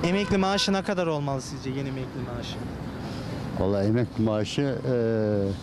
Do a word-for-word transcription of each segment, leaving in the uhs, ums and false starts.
Emekli maaşı ne kadar olmalı sizce, yeni emekli maaşı? Vallahi emekli maaşı eee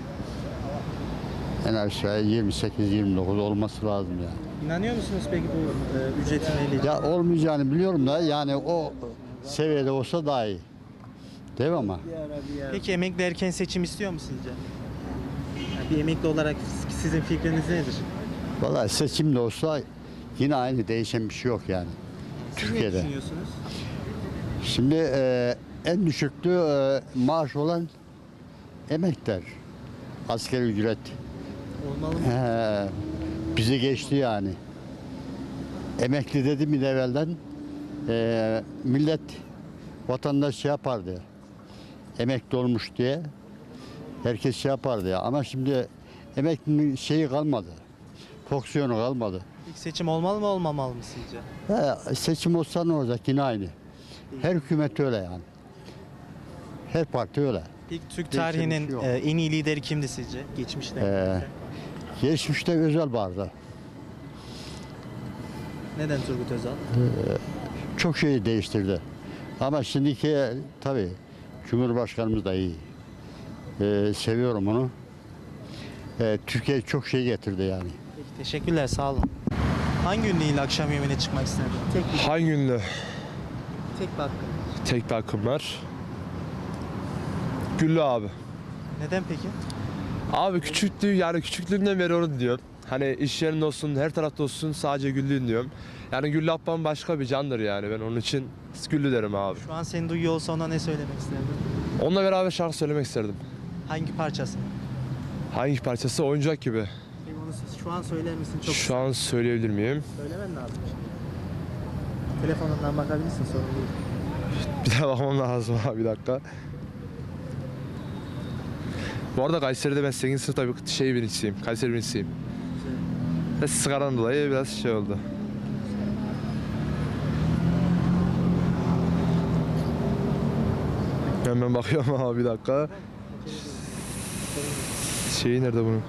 en aşağı yirmi sekiz yirmi dokuz olması lazım yani. İnanıyor musunuz peki bu e, ücretin belli? Ya olmayacağını biliyorum da yani o seviyede olsa daha iyi. Değil mi ama? Peki emekli erken seçim istiyor mu sizce? Yani bir emekli olarak sizin fikriniz nedir? Vallahi seçim de olsa yine aynı, değişen bir şey yok yani. Siz Türkiye'de. ne düşünüyorsunuz? Şimdi eee, en düşüklü eee, maaş olan emekler. Asgari ücret. Olmalı mı? He, bizi geçti yani. Emekli dedi mi de evvelden eee, millet vatandaş şey yapardı. Emekli olmuş diye herkes şey yapardı ya. Ama şimdi emeklinin şeyi kalmadı. Fonksiyonu kalmadı. İlk seçim olmalı mı olmamalı mı sizce? He, seçim olsa ne olacak, yine aynı. Her hükümet öyle yani. Her parti öyle. İlk Türk Değişen bir tarihinin şey yok. e, en iyi lideri kimdi sizce? Geçmişte. Ee, Geçmişte Özel vardı. Neden Turgut Özal? Çok şeyi değiştirdi. Ama şimdiki tabii Cumhurbaşkanımız da iyi. Ee, seviyorum onu. Ee, Türkiye çok şey getirdi yani. Peki, teşekkürler, sağ olun. Hangi ünlü ile akşam yemeğine çıkmak isterdin? Tek bir, Hangi ünlü? tek bir hakkın. Tek bir hakkım var. Güllü abi. Neden peki? Abi küçüklüğü yani küçüklüğümden beri onu diyorum. Hani iş yerinde olsun, her tarafta olsun sadece Güllü'yüm diyorum. Yani Güllü ablam başka bir candır yani. Ben onun için Güllü derim abi. Şu an seni duyuyor olsa ona ne söylemek isterdin? Onunla beraber şarkı söylemek isterdim. Hangi parçası? Hangi parçası? Oyuncak gibi. Peki onu şu an söyler misin? Çok Şu an söyleyebilir miyim? söylemen lazım. Telefonundan bakabilirsin, sorun değil. Bir daha bakmam lazım abi, bir dakika. Bu arada Kayseri'de ben sekizinci sınıfta bir şey birincisiyim. Kayseri birincisiyim. Ve sigaranın dolayı biraz şey oldu. Hemen bakıyorum abi, bir dakika. Şeyi nerede bunun?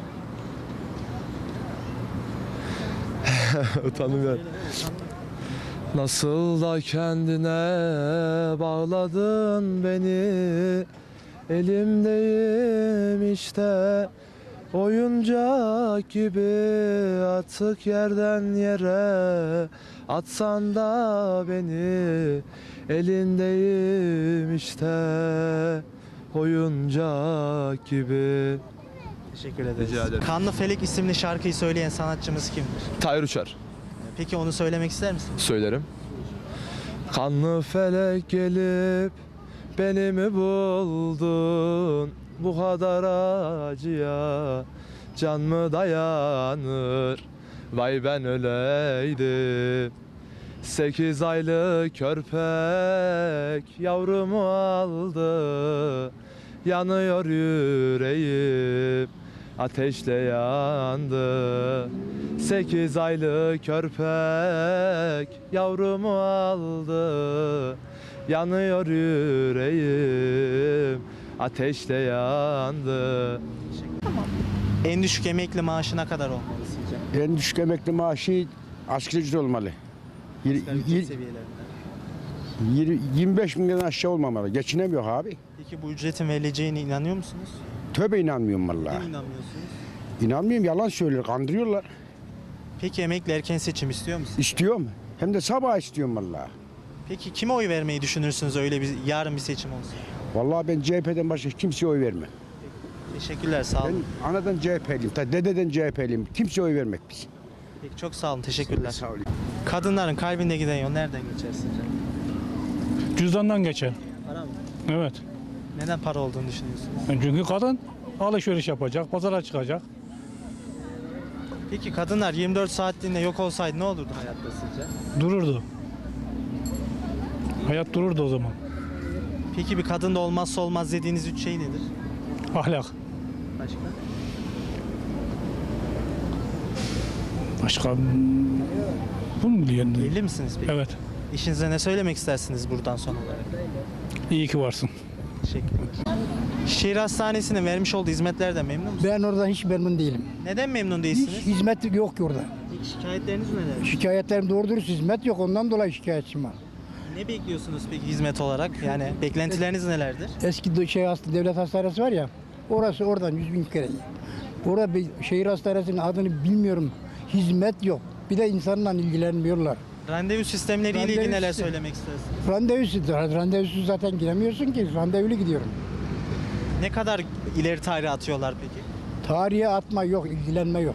Utandım ya. Nasıl da kendine bağladın beni, elimdeyim işte oyuncak gibi, atık yerden yere atsan da beni, elindeyim işte oyuncak gibi. Teşekkür ederiz. Rica ederim. Kanlı Felek isimli şarkıyı söyleyen sanatçımız kimdir? Tahir Uçar. Peki onu söylemek ister misin? Söylerim. Kanlı felek gelip beni mi buldun? Bu kadar acıya can mı dayanır? Vay ben öleydim. Sekiz aylık körpek yavrumu aldı. Yanıyor yüreğim, ateşle yandı. Sekiz aylık körpek yavrumu aldı. Yanıyor yüreğim, ateşle yandı. En düşük emekli maaşı ne kadar olmalı sizce? En düşük emekli maaşı asgari ücret olmalı. Yir- Asgari ücret yir- seviyelerinde. yir- yirmi beş binden aşağı olmamalı. Geçinemiyor abi. Peki bu ücretin verileceğine inanıyor musunuz? Tövbe inanmıyorum Neden vallahi. inanmıyorsunuz? İnanmıyorum, yalan söylüyor, kandırıyorlar. Peki emekli erken seçim istiyor musunuz? İstiyorum. Hem de sabah istiyorum vallahi. Peki kime oy vermeyi düşünürsünüz öyle bir yarın bir seçim olsun? Vallahi ben C H P'den başka kimseye oy vermem. Teşekkürler, sağ olun. Ben anadan C H P'liyim, ta dededen C H P'liyim. Kimseye oy vermek biz. Peki çok sağ olun, teşekkürler. Sağ olun. Kadınların kalbinde giden yol nereden geçer sizce? Cüzdandan geçer. Para mı? Evet. Neden para olduğunu düşünüyorsunuz? Çünkü kadın alışveriş yapacak, pazara çıkacak. Peki kadınlar yirmi dört saatliğinde yok olsaydı ne olurdu hayatta sizce? Dururdu. Hayat dururdu o zaman. Peki bir kadında olmazsa olmaz dediğiniz üç şey nedir? Ahlak. Başka? Başka bunu mu diyorsun? Evli misiniz peki? Evet. İşinize ne söylemek istersiniz buradan son olarak? İyi ki varsın. Teşekkürler. Şehir Hastanesi'nin vermiş olduğu hizmetlerden memnun musunuz? Ben oradan hiç memnun değilim. Neden memnun Hiç değilsiniz? hizmet yok ki orada. Peki şikayetleriniz neler? Şikayetlerim doğru dürüst hizmet yok. Ondan dolayı şikayetçiyim var. Ne bekliyorsunuz peki hizmet olarak? Yani beklentileriniz nelerdir? Eski de- şey hasta, devlet hastanesi var ya, orası oradan yüz bin kere. Orada bir şehir hastanesinin adını bilmiyorum. Hizmet yok. Bir de insanla ilgilenmiyorlar. Randevu sistemleriyle ilgili Randevu neler sistemi. söylemek istersiniz? Randevusuz, randevusuz zaten giremiyorsun ki. Randevulu gidiyorum. Ne kadar ileri tarihe atıyorlar peki? Tarihe atma yok, ilgilenme yok.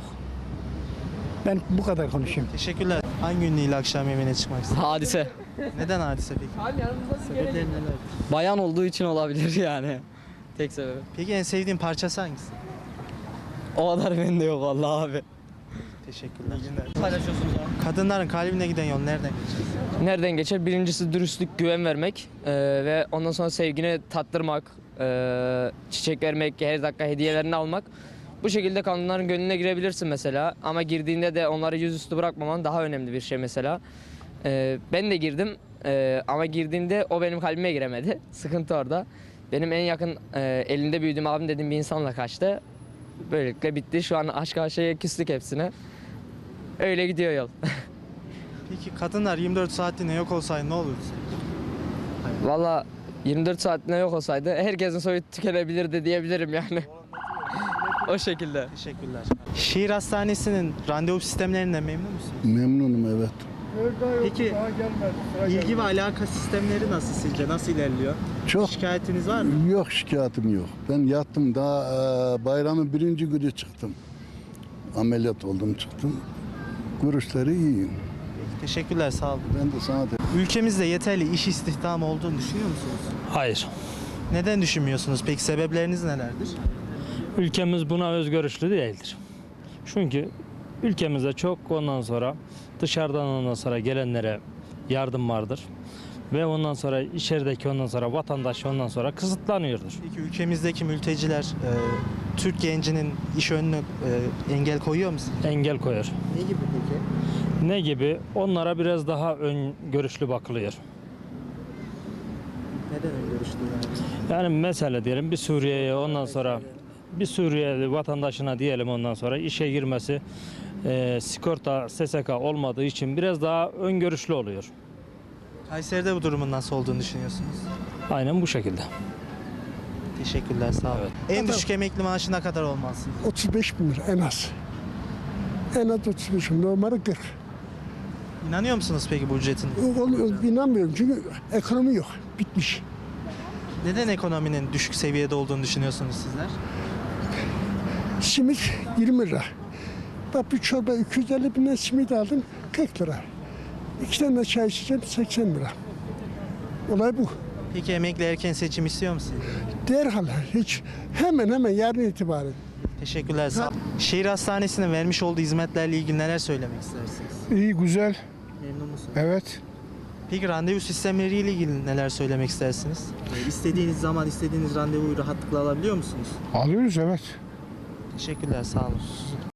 Ben bu kadar konuşayım. Teşekkürler. Hangi ünlüyle akşam yemeğine çıkmak istersiniz? Hadise. Neden hadise peki? Sebepleri neler? Bayan olduğu için olabilir yani. Tek sebebi. Peki en sevdiğin parçası hangisi? O kadar bende yok vallahi abi. Teşekkürler. Paylaşıyorsunuz abi. Kadınların kalbine giden yol nereden geçer? Nereden geçer? Birincisi dürüstlük, güven vermek eee, ve ondan sonra sevgini tattırmak, eee, çiçek vermek, her dakika hediyelerini almak. Bu şekilde kadınların gönlüne girebilirsin mesela ama girdiğinde de onları yüzüstü bırakmaman daha önemli bir şey mesela. Eee, ben de girdim eee, ama girdiğimde o benim kalbime giremedi. Sıkıntı orada. Benim en yakın eee, elinde büyüdüğüm abim dediğim bir insanla kaçtı. Böylelikle bitti. Şu an aşk aşağıya küstük hepsine. Öyle gidiyor yol. Peki kadınlar yirmi dört saatliğine yok olsaydı ne olurdu sence? Valla yirmi dört saatine yok olsaydı herkesin soyu tükenebilirdi diyebilirim yani. O şekilde. Teşekkürler. Şehir hastanesinin randevu sistemlerinden memnun musunuz? Memnunum evet. Peki ilgi ve alaka sistemleri nasıl sizce? Nasıl ilerliyor? Çok Şikayetiniz var mı? yok şikayetim yok. Ben yattım daha e, bayramın birinci günü çıktım. Ameliyat oldum çıktım. Görüşleri iyi. Teşekkürler, sağ olun. Ben de sana de Ülkemizde yeterli iş istihdamı olduğunu düşünüyor musunuz? Hayır. Neden düşünmüyorsunuz? Peki sebepleriniz nelerdir? Ülkemiz buna özgörüşlü değildir. Çünkü ülkemizde çok ondan sonra dışarıdan ondan sonra gelenlere yardım vardır. Ve ondan sonra içerideki ondan sonra vatandaş ondan sonra kısıtlanıyordur. Peki ülkemizdeki mülteciler e, Türk gencinin iş önüne e, engel koyuyor mu sizce? Engel koyar. Ne gibi peki? Ne gibi? Onlara biraz daha ön görüşlü bakılıyor. Neden öyle görüştüğünüz? Yani mesela diyelim bir Suriye'ye ondan sonra bir Suriyeli vatandaşına diyelim ondan sonra işe girmesi e, sigorta S S K olmadığı için biraz daha öngörüşlü oluyor. Kayseri'de bu durumun nasıl olduğunu düşünüyorsunuz? Aynen bu şekilde. Teşekkürler, sağ olun. En düşük emekli maaşı ne kadar olmaz? otuz beş bin lira en az. En az otuz beş bin, normali kırk. İnanıyor musunuz peki bu ücretin? Oluyor, inanmıyorum çünkü ekonomi yok, bitmiş. Neden ekonominin düşük seviyede olduğunu düşünüyorsunuz sizler? Simit yirmi lira. Bak bir çorba iki yüz elli binden simit aldım, kırk lira. İki tane de çay içeceğim, seksen lira. Olay bu. Peki emekli erken seçim istiyor musunuz? Derhal hiç hemen hemen yarın itibaren. Teşekkürler, sağ olun. Şehir hastanesinin vermiş olduğu hizmetlerle ilgili neler söylemek istersiniz? İyi, güzel. Memnun musunuz? Evet. Peki randevu sistemleriyle ilgili neler söylemek istersiniz? Ee, İstediğiniz zaman istediğiniz randevuyu rahatlıkla alabiliyor musunuz? Alıyoruz evet. Teşekkürler, sağ olun.